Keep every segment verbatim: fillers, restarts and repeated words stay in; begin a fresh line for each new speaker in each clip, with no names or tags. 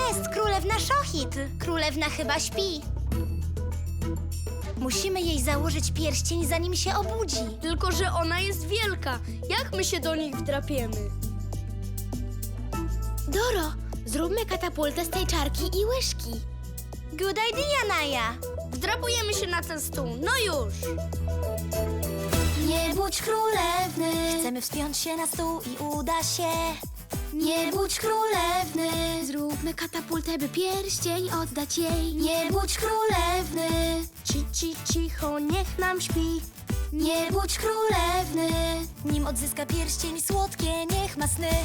jest królewna Szochitl. Królewna chyba śpi. Musimy jej założyć pierścień, zanim się obudzi.
Tylko że ona jest wielka. Jak my się do nich wdrapiemy?
Doro, zróbmy katapultę z tej czarki i łyżki.
Good idea, Naja.
Wdrapujemy się na ten stół. No już!
Nie budź królewny. Chcemy wspiąć się na stół i uda się. Nie budź królewny.
Zróbmy katapultę, by pierścień oddać jej.
Nie budź królewny.
Ci, ci, cicho, niech nam śpi.
Nie budź królewny. Nim odzyska pierścień słodkie, niech ma sny.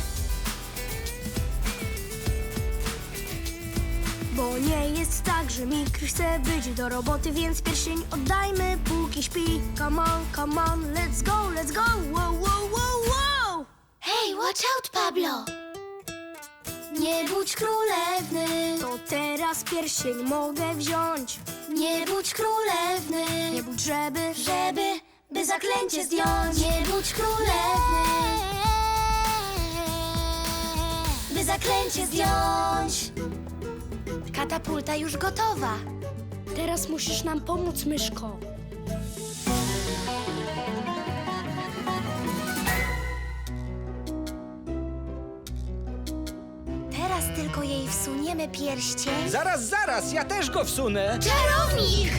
Bo nie jest tak, że Mikr chce być do roboty, więc pierścień oddajmy, póki śpi. Come on, come on, let's go, let's go. Wow, wow, wow, wow!
Hej, watch out, Pablo!
Nie budź królewny.
To teraz pierścień mogę wziąć.
Nie budź królewny.
Nie budź, żeby...
Żeby, by zaklęcie zdjąć. Nie budź królewny. By zaklęcie zdjąć. Katapulta już gotowa.
Teraz musisz nam pomóc, myszko.
Teraz tylko jej wsuniemy pierścień.
Zaraz, zaraz, ja też go wsunę.
Czarownik!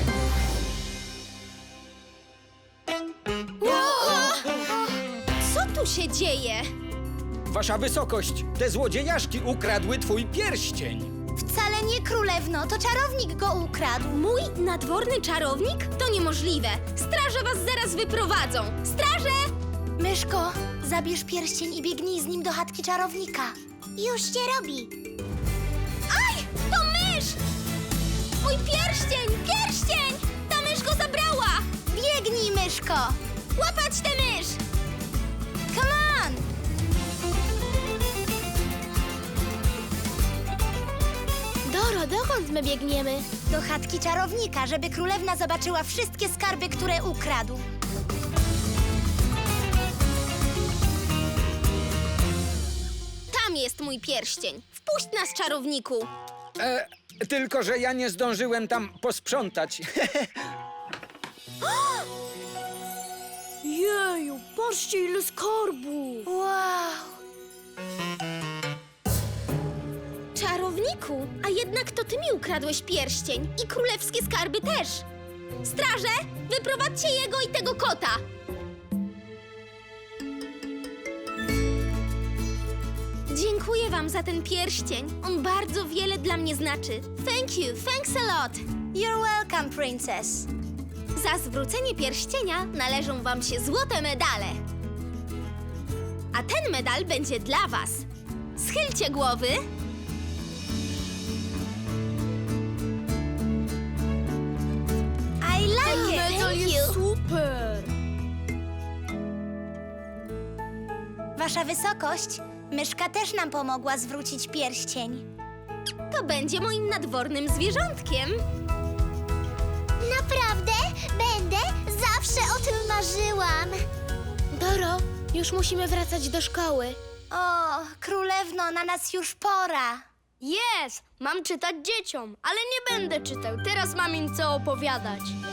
Co tu się dzieje?
Wasza wysokość, te złodziejaszki ukradły twój pierścień.
Wcale nie królewno, to czarownik go ukradł.
Mój nadworny czarownik? To niemożliwe. Straże was zaraz wyprowadzą. Straże!
Myszko, zabierz pierścień i biegnij z nim do chatki czarownika. Już się robi.
Aj! To mysz! Mój pierścień! Pierścień! Ta mysz go zabrała!
Biegnij, myszko!
Łapać tę mysz!
Come on!
Doro, dokąd my biegniemy?
Do chatki czarownika, żeby królewna zobaczyła wszystkie skarby, które ukradł.
Tam jest mój pierścień. Wpuść nas, czarowniku.
E, tylko, że ja nie zdążyłem tam posprzątać.
Jeju, patrzcie ile skarbów!
Wow!
Czarowniku, a jednak to ty mi ukradłeś pierścień i królewskie skarby też. Straże, wyprowadźcie jego i tego kota. Dziękuję wam za ten pierścień. On bardzo wiele dla mnie znaczy. Thank you, thanks a lot.
You're welcome, princess.
Za zwrócenie pierścienia należą wam się złote medale. A ten medal będzie dla was. Schylcie głowy.
I like it!
Medal
Thank
jest
you.
super!
Wasza wysokość, myszka też nam pomogła zwrócić pierścień.
To będzie moim nadwornym zwierzątkiem.
Naprawdę? Będę? Zawsze o tym marzyłam.
Doro, już musimy wracać do szkoły.
O, królewno, na nas już pora.
Jest! Mam czytać dzieciom, ale nie będę czytał. Teraz mam im co opowiadać.